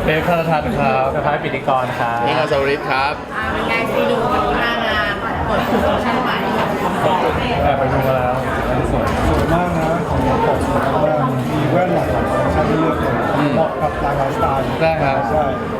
เบฟธนทัศน์ครับสภาพปิติกรครับนี่อัศวริศครับเป็นไงซีดูวันนี้มางานเปิดตัวคอลเลคชั่นใหม่ไปดูมาแล้วสวยมากนะของสวยมากมีแว่นหลากหลายคอลเลคชั่นให้เลือกเลยเหมาะกับหลากหลายสไตล์ใช่ครับใช่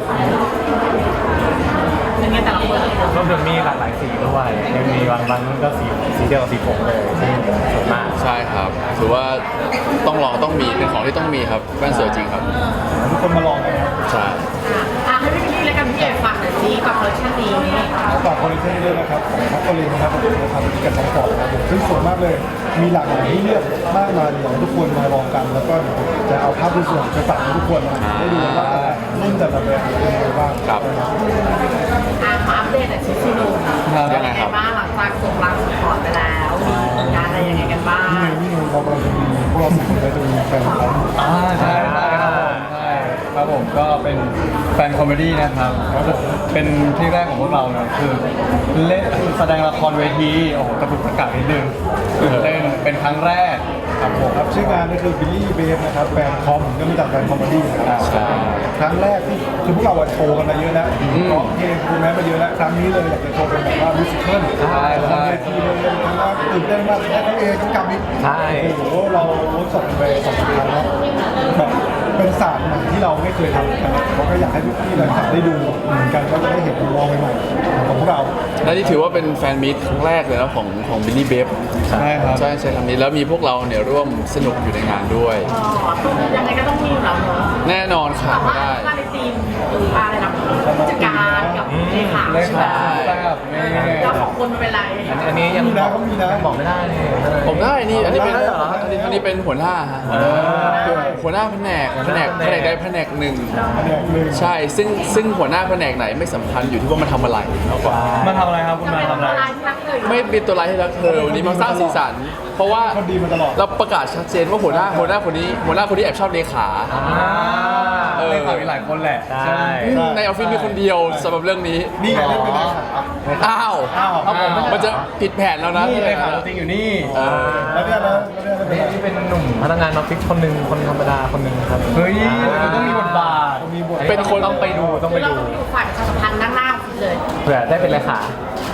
เป็นไงแต่ละคนรวมถึงมีหลากหลายสีด้วยยังมีบางรุ่นก็สีเดียวกับสีผมเลยซึ่งสวยมากใช่ครับถือว่าต้องลองต้องมีเป็นของที่ต้องมีครับแว่นสวยจริงครับทุกคนมาลองกันนะใช่ให้พี่แล้วกันพี่เอกฝากหน่อยสิกับคอลเลคชั่นนี้ฝากคอลเลคชั่นด้วยนะครับของทัพโคลินนะครับผมจะทำกับทั้งสองนะครับซึ่งสวยมากเลยมีหลากหลายให้เลือกมากมายอยากให้ทุกคนมาลองกันแล้วก็จะเอาภาพสวยๆไปฝากทุกคนได้ดูว่ารุ่นแต่ละแบบเป็นยังไงบ้างครับมาอัปเดตชุดซีดูเป็นยังไงบ้างหลังจากส่งรังสปอร์ตไปแล้วมีงานอะไรยังไงกันบ้างนี่เรากำลังจะมีพวกเราสองคนจะมีแฟนคลับใช่ครับผมก็เป็นแฟนคอมเมดี้นะครับเป็นที่แรกของพวกเราเนี่ยคือเล่นแสดงละครเวทีโอ้โหกระตุกกระกานิดนึงตื่นเต้นเป็นครั้งแรกครับผมครับชื่องานก็คือบิลลี่เบฟนะครับแฟนคอมก็มาจากแฟนคอมเมดี้นะครับครั้งแรกที่คือพวกเราโชว์กันมาเยอะแล้วร้องเพลงคุณแม่มาเยอะแล้วครั้งนี้เลยอยากจะโชว์เป็นแบบว่ามิวสิควลบนเวทีเลยครั้งแรกตื่นเต้นมากและเขาเองก็กำอีกโอ้โหเราเวิร์กช็อปไป2 ครั้งแล้วแบบเป็นศาสตร์ใหม่ที่เราไม่เคยทำกันเราก็อยากให้พี่ๆแฟนคลับได้ดูเหมือนกันก็จะได้เห็นมุมมองใหม่ๆของพวกเราและนี่ถือว่าเป็นแฟนมีตครั้งแรกเลยนะของบิลลี่เบฟใช่ครับใช่คำนี้แล้วมีพวกเราเนี่ยร่วมสนุกอยู่ในงานด้วยยังไงก็ต้องมีอยู่แล้วเนอะแน่นอนค่ะไม่ได้มาในทีมอะไรนะผู้จัดการกับเลขาใช่ไหมแล้วของคนเป็นไรอันนี้ยังบอกไม่ได้เลยผมได้นี่อันนี้เป็นหัวหน้าฮะหัวหน้าแผนกใดแผนกหนึ่งใช่ซึ่งหัวหน้าแผนกไหนไม่สำคัญอยู่ที่ว่ามันทำอะไรมากกว่ามันทำอะไรครับคุณมาทำอะไรไม่เป็นตัวร้ายที่รักเธอวันนี้มาสร้างสีสันเพราะว่าเราประกาศชัดเจนว่าหัวหน้าคนนี้แอบชอบเลขาเลขามีหลายคนแหละใช่ในออฟฟิศมีคนเดียวสำหรับเรื่องนี้นี่ไงไม่เป็นไรอ้าวมันจะผิดแผนแล้วนะเลขาจริงอยู่นี่แล้วเนี่ยนะนี่เป็นหนุ่มพนักงานออฟฟิศคนหนึ่งคนธรรมดาคนหนึ่งครับเฮ้ยต้องมีบทบาทเป็นคนต้องไปดูฝ่ายประชาสัมพันธ์นั่งหน้าเลยเผื่อได้เป็นเลขา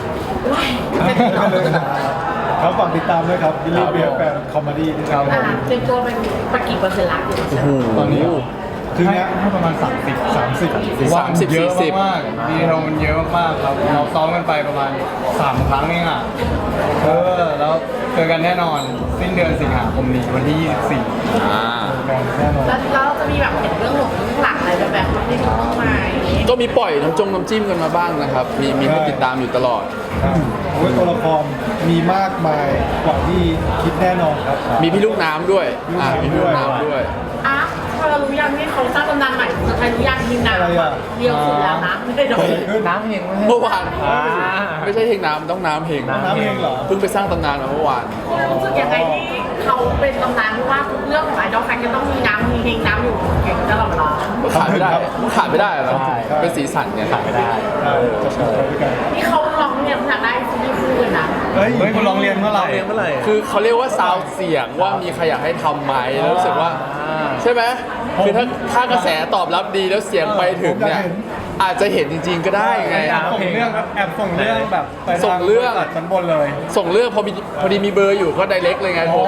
ครับฝากติดตามด้วยครับบิลลี่เบียร์แฟนคอมเมดี้นะครับเตรียมตัวเป็นกี่เปอร์เซ็นต์ละตอนนี้คือเนี้ยให้ประมาณ30 เยอะมากดีเทลมันเยอะมากครับเราซ้อมกันไปประมาณ3 ครั้งเองอ่ะแล้วเจอกันแน่นอนสิ้นเดือนสิงหาคมนี้วันที่24 แน่นอนแล้วเราจะมีแบบเห็นเรื่องหลังอะไรแบบที่ดูบ้างไหมก็มีปล่อยน้ำจิ้มกันมาบ้างนะครับมีให้ติดตามอยู่ตลอดตัวละครมีมากมายกว่าที่คิดแน่นอนครับมีพี่ลูกน้ำด้วยมีพี่ลูกน้ำด้วยเรารู้ยังนี่เขาสร้างตำนานใหม่ใครรู้ยังทีมน้ำเดียวสุดแล้วนะไม่ได้โดนน้ำเฮงเมื่อวานไม่ใช่เฮงน้ำต้องน้ำเฮงเหรอเพิ่งไปสร้างตำนานมาเมื่อวานรู้สึกยังไงที่เขาเป็นตำนานเพราะว่าทุกเรื่องของไอดอลแฟนจะต้องมีน้ำมีเฮงน้ำอยู่เก่งตลอดเวลาขาดไม่ได้หรอเป็นสีสันเนี่ยขาดไม่ได้นี่เขาลองเรียนทางได้ที่พูดนะเฮ้ยคุณลองเรียนเมื่อไหร่คือเขาเรียกว่าซาวเสียงว่ามีใครอยากให้ทำไหมแล้วรู้สึกว่าใช่ไหมคือถ้ากระแสตอบรับดีแล้วเสียงไปถึงเนี่ยอาจจะเห็นจริงๆก็ได้ไงส่งเรื่องส่งเรื่องแบบส่งเรื่องชั้นบนเลยส่งเรื่องพอดีมีเบอร์อยู่ก็ไดเรกเลยไงโทร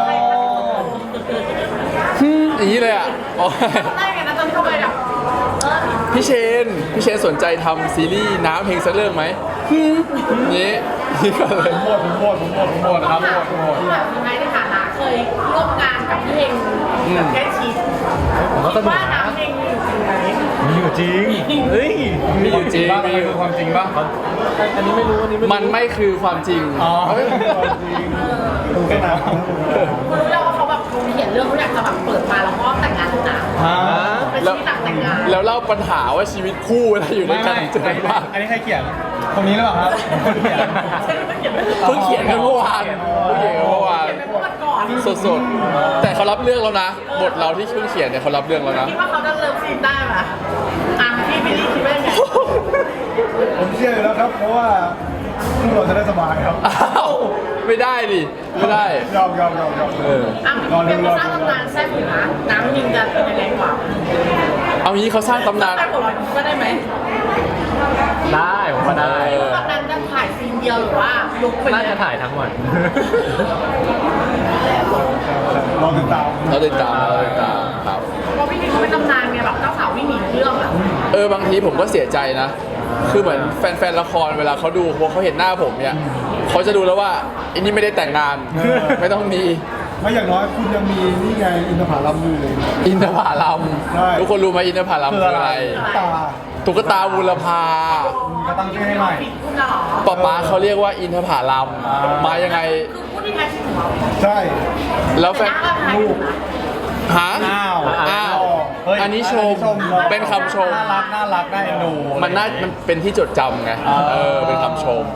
อย่างนี้เลยอ่ะได้ไงนะตอนที่เขาไปแบบพี่เชนสนใจทำซีรีส์น้ำเพลงสักเรื่องไหมนี่ก็เลยหมดครับหมดยังไงในฐานะเคยร่วมงานกับพี่เฮงแบบใกล้ชิดว่าน้ำเพลงมีอยู่จริงเฮ้ยมีอยู่จริงมันคือความจริงป่ะอันนี้ไม่รู้มันไม่คือความจริงดูแค่น้ำรู้แล้วว่าเขาแบบเขียนเรื่องเขาอยากจะแบบเปิดมาแล้วก็แต่งงานนะเป็นชีวิตแต่งงานแล้วเล่าปัญหาว่าชีวิตคู่อะไรอยู่ด้วยกันเจอบ้างอันนี้ใครเขียนคนนี้หรือเปล่าครับคนเขียนเพิ่งเขียนกันเมื่อวานสดๆแต่เขารับเรื่องแล้วนะบทเราที่เพิ่งเขียนเนี่ยเขารับเรื่องแล้วนะคิดว่าเขาจะเลิฟซีนได้ไหมพี่ไม่ได้คิดว่าไงผมเชื่ออยู่แล้วครับเพราะว่าเราจะได้สบายครับไม่ได้ดิไม่ได้ยอมเป็นสร้างตำนานแซ่บอยู่นะน้ำยิงจะเป็นยังไงกว่าเอางี้เขาสร้างตำนานไปหัวเราะก็ได้ไหมได้ผมก็ได้ตอนนั้นจะถ่ายซีนเดียวหรือว่าลุกไปเลน่าย จะถ่ายทั้งวันรอติดตามเราติดตามครับเพราะพี่นี่เขาเป็นตำนานไงแบบเจ้าสาววิ่งหนีเรื่องอะบางทีผมก็เสียใจนะ คือเหมือนแฟนๆละครเวลาเขาดูพอเขาเห็นหน้าผมเนี่ยเขาจะดูแล้วว่าอันนี้ไม่ได้แต่งงานไม่ต้องมีไม่อย่างน้อยคุณยังมีนี่ไงอินทผลัมอยู่เลยอินทผลัมใช่ทุกคนรู้ไหมอินทผลัมคืออะไรตาตุ๊กตาบุรพาก็ตั้งชื่อให้ใหม่ปิดคุณน่ะเหรอป๊าเขาเรียกว่าอินทผลัมมายังไงคือพูดที่แท้จริงของเราใช่แล้วแฟนแต่หน้าก็ถ่ายถูกนะหาอ้าวเฮ้ยอันนี้ชมเนอะเป็นคำชมน่ารักน่าเอ็นดูมันเป็นที่จดจำไงเป็นคำชม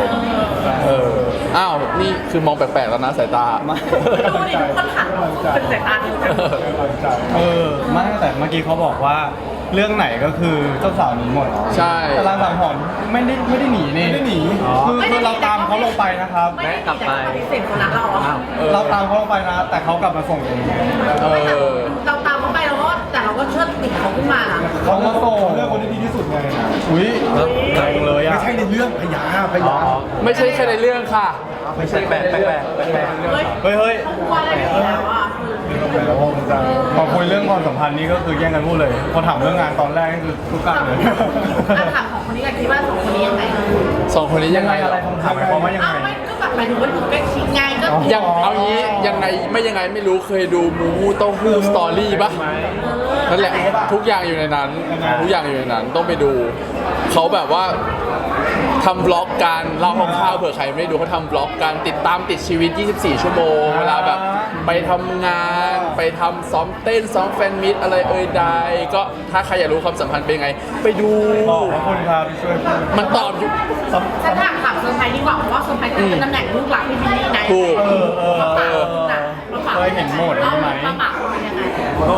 อ้าวนี่คือมองแปลกๆแล้วนะสายตาดูดิทุกคนหันเป็นสายตาดูกันไม่แต่เมื่อกี้เขาบอกว่าเรื่องไหนก็คือเจ้าสาวหนีหมดใช่แต่รางสังหรณ์ไม่ได้หนีนี่ไม่ได้หนีคือเราตามเขาลงไปนะครับไม่ได้กลับไปปฏิเสธคนรักเราอะเราตามเขาลงไปนะ แต่เขากลับมาส่งเองเราตามเขาไปเราก็แต่เราก็เชิดติดเขาขึ้นมานะเขามาส่งเลือกคนที่ดีที่สุดไงอุ้ยงงเลยอ่ะไม่ใช่ในเรื่องพยาไม่ใช่แค่ในเรื่องค่ะไม่ใช่แปลกเฮ้ยเฮ้ยเขากลัวอะไรกันอยู่แล้วอะแล้วมันจะพอคุยเรื่องความสัมพันธ์นี่ก็คือแย่งกันพูดเลยพอถามเรื่องงานตอนแรกนี่คือทุกการเลยถ้าถามของคนนี้กันคิดว่าสองคนนี้ยังไงสองคนนี้ยังไงอะไรคำถามหมายความว่ายังอ้าไงวไม่ก็แบบหมายถึงว่าอยู่ใกล้ชิดไงก็ยังเอางี้ยังไงไม่รู้เคยดูมูมูเต้าหู้สตอรี่ปะนั่นแหละทุกอย่างอยู่ในนั้นต้องไปดูเขาแบบว่าทำบล็อกการเล่าคร่าวๆเผื่อใครไม่ได้ดูเขาทำบล็อกการติดชีวิต 24 ชั่วโมงเวลาแบบไปทำงานไปทำซ้อมเต้นซ้อมแฟนมิตอะไรใดก็ถ้าใครอยากรู้ความสัมพันธ์เป็นยังไง ไปดูขอบคุณครับที่ช่วยพูดมันตอบอยู่ฉันถามเซอร์ไพรส์ดีกว่าเพราะว่าเซอร์ไพรส์เป็นตำแหน่งลูกหลักพี่บิลลี่ไงถูกมาฝากนะมาฝากเคยเห็นหมดใช่ไหมมาฝากเป็นยังไงก็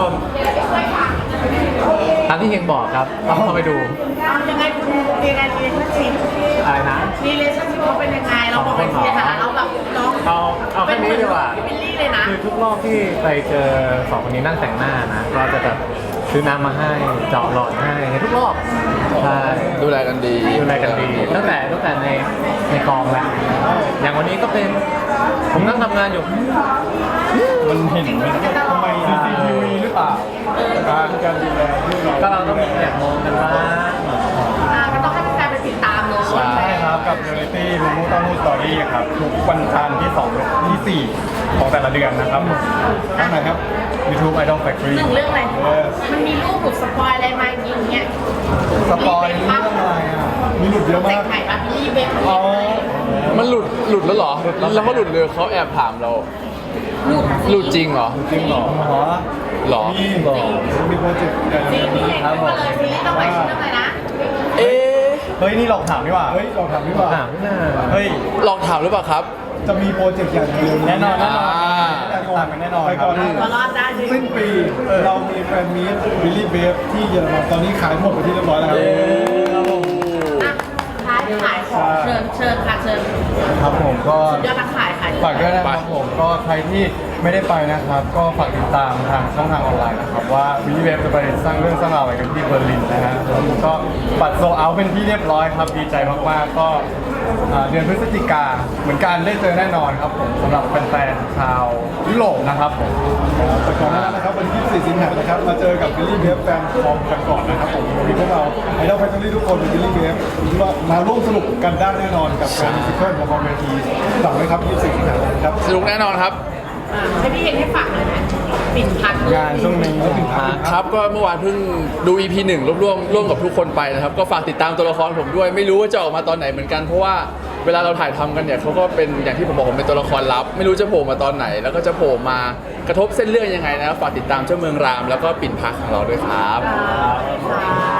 ตามที่เฮงบอกครับต้องเข้าไปดูเอายังไงคุณยังไงรีเลชั่นชิพอะไรนะรีเลชั่นชิพเขาเป็นยังไงเราบอกไปทีนะคะเราแบบน้องเอาแค่นี้ดีกว่าพี่บิลลี่เลยนะคือทุกรอบที่ไปเจอสองคนนี้นั่งแต่งหน้านะก็จะแบบซื้อน้ำมาให้เจาะหลอดให้ทุกรอบใช่ดูแลกันดีดูแลกันดีตั้งแต่ในกองแล้วอย่างวันนี้ก็เป็นผมนั่งทำงานอยู่มันเห็นไหมทำไม CCTV หรือเปล่าการดูแลที่เราก็เราต้องมีแอบมองกันบ้างก็ต้องให้แฟนๆไปติดตามเลยใช่ครับกับเรียลลิตี้มูมูต้องมูสตอรี่ครับทุกวันจันทร์ที่2ที่4ของแต่ละเดือนนะครับข้างไหนครับ YouTube Idol Factory หนึ่งเรื่องอะไรมันมีรูปหลุดสปอยอะไรมาอย่างเงี้ยสปอยเรื่องอะไรอ่ะมีหลุดเยอะแต่มาง กใหม่ปะพี่เบคอ๋อมันหลุดแล้วเหรอแล้วเขาหลุดเลยเขาแอบถามเราหลุดจริงเหรอจริงเหรออ๋อเหรอมีโปรเจกต์ใหญ่ซีรีส์เองขึ้นมาเลยซีรีส์ต้องไปชื่ออะไรนะเอ๊ะเฮ้ยนี่หลอกถามดีกว่าเฮ้ยเราทำดีกว่าถามหน้าเฮ้ยลองถามหรือเปล่าครับจะมีโปรเจกต์ใหญ่เร็วๆแน่นอนอ่าตามกันแน่นอนไปครัก่บอนหน้ามารอดได้ดิสิ้นปีเรามีแฟนมีตบิลลี่เบฟที่เยอรมันตอนนี้ขายหมดไปที่เรียบร้อยแล้วครับอ่ะขายของเชิญค่ะเชิญครับผมก็ยอดนักขายฝากด้วยนะครับผมก็ใครที่ไม่ได้ไปนะครับ ก็ฝากติดตามทางช่องทางออนไลน์นะครับว่าวิลลี่เวฟจะไปสร้างเรื่องสร้างราวอะไรกันที่เบอร์ลินนะฮะแล้วก็บัตรโซลเอาท์เป็นที่เรียบร้อยครับดีใจมากๆก็เดือนพฤศจิกาเหมือนกันได้เจอแน่นอนครับผมสำหรับแฟนๆชาวยุโรปนะครับผมแต่ก่อนหน้านั้นนะครับวันที่24สิงหาคมนะครับมาเจอกับบิลลี่เบฟแฟนคอมกันก่อนนะครับผมวันนี้พวกเราไอดอลแฟนตอรี่ทุกคนเป็นบิลลี่เบฟคิดว่ามาร่วมสนุกกันได้แน่นอนกับการมิวสิควลของคอมเวทีหลังเลยครับ24สิงหาคมครับสนุกแน่นอนครับให้พี่เห็นให้ฝากเลยนะปิ่นพักงานช่วงนี้ครับก็เมื่อวานเพิ่งดู EP 1ร่วมกับทุกคนไปนะครับ ก็ฝากติดตามตัวละครผมด้วย ไม่รู้ว่าจะออกมาตอนไหนเหมือนกัน เพราะว่าเวลาเราถ่ายทำกันเนี่ยเขาก็เป็นอย่างที่ผมบอกผมเป็นตัวละครลับ ไม่รู้จะโผล่มาตอนไหน แล้วก็จะโผล่มากระทบเส้นเรื่องยังไงนะครับฝากติดตามเจ้าเมืองรามแล้วก็ปิ่นพักของเราด้วยครับค่ะ